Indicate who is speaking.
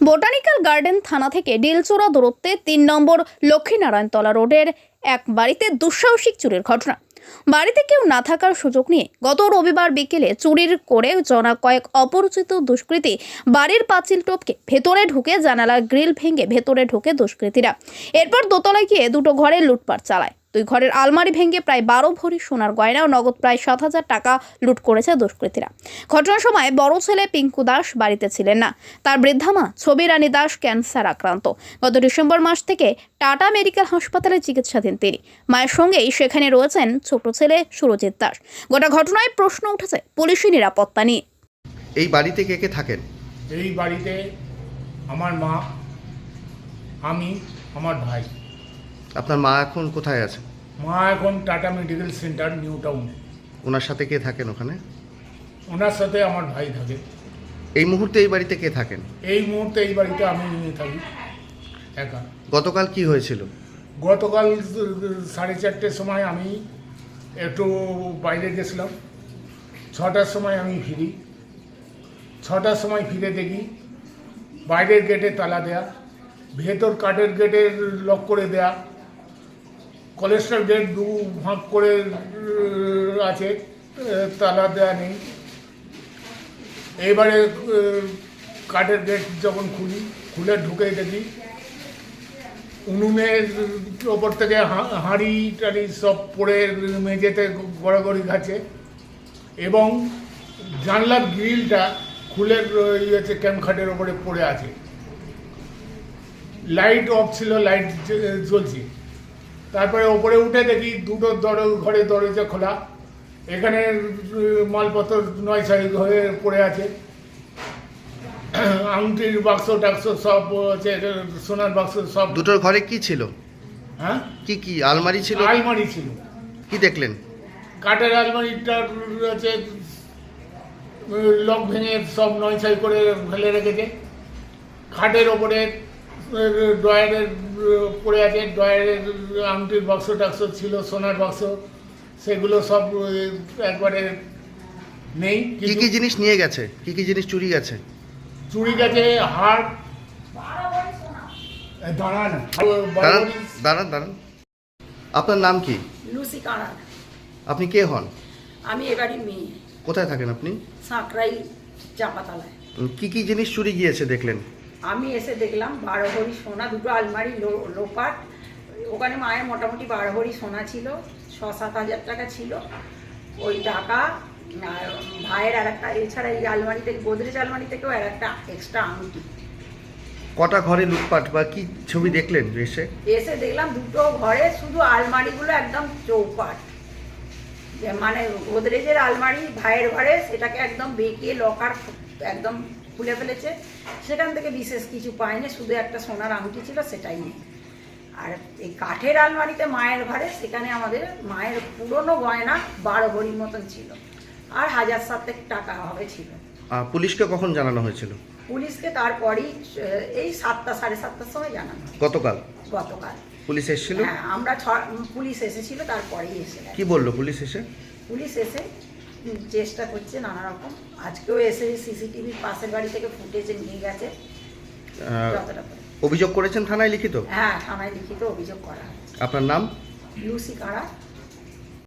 Speaker 1: Botanical garden থানা থেকে ডিলচোরা দূরত্বে ৩ নম্বর লক্ষ্মীনারায়ণতলা রোডের এক বাড়িতে দুঃসাহসিক চুরির ঘটনা। বাড়িতে কেউ না থাকার সুযোগ নিয়ে গত রবিবার বিকেলে চুরির করে জনা কয়েক অপরিচিত দুষ্কৃতী বাড়ির পাঁচিল টপকে ভেতরে ঢুকে জানালার গ্রিল ভেঙে ভেতরে ঢুকে দুষ্কৃতীরা। এরপর দোতলায় গিয়ে দুটো ঘরে লুটপাট চালায়। দুই ঘরের আলমারি ভেঙে প্রায় ১২ ভরি সোনার গয়না ও নগদ প্রায় ৭,০০০ টাকা লুট করেছে দুষ্কৃতীরা। ঘটনার সময় বড় ছেলে পিঙ্কু দাস বাড়িতে ছিলেন না। তার বৃদ্ধা মা ছবি রানী দাস ক্যান্সার আক্রান্ত। গত ডিসেম্বর মাস থেকে টাটা মেডিকেল হাসপাতালে চিকিৎসাধীন তিনি। মায়ের সঙ্গেই সেখানে রয়েছেন ছোট ছেলে সুরজিৎ দাস। গোটা ঘটনায় প্রশ্ন উঠেছে পুলিশি নিরাপত্তা নিয়ে।
Speaker 2: এই বাড়িতে কে কে থাকেন?
Speaker 3: এই বাড়িতে আমার মা, আমি, আমার ভাই।
Speaker 2: আপনার মা এখন কোথায় আছে?
Speaker 3: মা এখন Tata medical centre new town.
Speaker 2: ওনার সাথে কে থাকেন ওখানে?
Speaker 3: ওনার সাথে আমার ভাই থাকে।
Speaker 2: এই মুহূর্তে এই বাড়িতে কে থাকেন?
Speaker 3: এই মুহূর্তে এই বাড়িতে আমি থাকি একা।
Speaker 2: গতকাল কি হয়েছিল?
Speaker 3: গতকাল 4:30টার সময় আমি একটু বাইরে গেছিলাম। 6টার সময় আমি ফিরি। 6টার সময় ফিরে দেখি বাইরের গেটে তালা দেয়া, ভেতর কাঠের গেটে লক করে দেয়া, কলেস্ট্রল গেট দু ভাগ করে আছে, তালা দেয়া নেই। এবারে কাঠের গেট যখন খুলে ঢুকে দেখি উনুনের ওপর থেকে হাঁড়ি টাড়ি সব পড়ে মেঝেতে গড়াগড়ি খাচ্ছে এবং জানলার গ্রিলটা খুলে ইয়েছে ক্যাম্পখাটের ওপরে পড়ে আছে। লাইট অফ ছিল, লাইট জ্বলছে। তারপরে ওপরে উঠে দেখি দুটো ঘরে দরজা খোলা, এখানে মালপত্র নয়ছয় হয়ে পড়ে আছে। আংটির বাক্স টাক্স সব আছে, সোনার বাক্স সব।
Speaker 2: দুটোর ঘরে কি ছিল?
Speaker 3: হ্যাঁ,
Speaker 2: কি কি আলমারি ছিল?
Speaker 3: আলমারি ছিল।
Speaker 2: কি দেখলেন?
Speaker 3: কাঠের আলমারিটা আছে, লক ভেঙে সব নয়ছয় করে ফেলে রেখেছে। খাটের ওপরে ড্রয়ারের পড়ে আছে, ড্রয়ারের আংটির বাক্স টাক্স ছিল, সোনার বাক্স, সেগুলো সব একবারে নেই।
Speaker 2: কি কি জিনিস নিয়ে গেছে? কি কি জিনিস চুরি গেছে?
Speaker 3: চুরি গেছে হার। দাঁড়ান
Speaker 2: দাঁড়ান দাঁড়ান। আপনার নাম কি?
Speaker 4: লুসি কারা।
Speaker 2: আপনি কে হন?
Speaker 4: আমি এবারই মেয়ে।
Speaker 2: কোথায় থাকেন আপনি?
Speaker 4: সাঁকরাই চাপাতলায়।
Speaker 2: কি কি জিনিস চুরি গিয়েছে দেখলেন?
Speaker 4: আমি এসে দেখলাম 12 ভরি সোনা, দুটো আলমারি লোপাট। ওখানে মায়ের মোটামুটি 12 ভরি সোনা ছিল, 6-7 হাজার টাকা ছিল ওই টাকা। আর ভাইয়ের আর একটা, এছাড়া এই আলমারি থেকে, গোদরেজ আলমারি থেকেও আর একটা এক্সট্রা আংটি।
Speaker 2: কটা ঘরে লুটপাট বা কি ছবি দেখলেন
Speaker 4: এসে দেখলাম দুটো ঘরে শুধু আলমারিগুলো একদম চৌপাট, মানে গোদরেজের আলমারি ভাইয়ের ঘরে, সেটাকে একদম বেঁকিয়ে লকার একদম খুলে ফেলেছে। সেখান থেকে বিশেষ কিছু পাইনি, শুধু একটা সোনার আংটি ছিল, সেটাই নেই। আর এই কাঠের আলমারিতে মায়ের ঘরে, সেখানে আমাদের মায়ের পুরনো গয়না 12 ভরির মতন ছিল, আর 1,000-7 টাকা হবে ছিল।
Speaker 2: পুলিশকে কখন জানানো হয়েছিল?
Speaker 4: পুলিশকে তারপরই এই 7টা 7:30টার সময় জানানো।
Speaker 2: গতকাল পুলিশ এসেছিল?
Speaker 4: হ্যাঁ, আমরা পুলিশ এসেছিল, তারপরেই এসে।
Speaker 2: কি বললো পুলিশ এসে?
Speaker 4: পুলিশ এসে চেষ্টা করছে নানা রকম। আজকেও এসে সিসিটিভির পাশের বাড়ি থেকে ফুটেজে নিয়ে গেছে।
Speaker 2: অভিযোগ করেছেন থানায় লিখিত?
Speaker 4: হ্যাঁ, থানায় লিখিত অভিযোগ করা হয়েছে।
Speaker 2: আপনার নাম?
Speaker 4: লুসি কারা।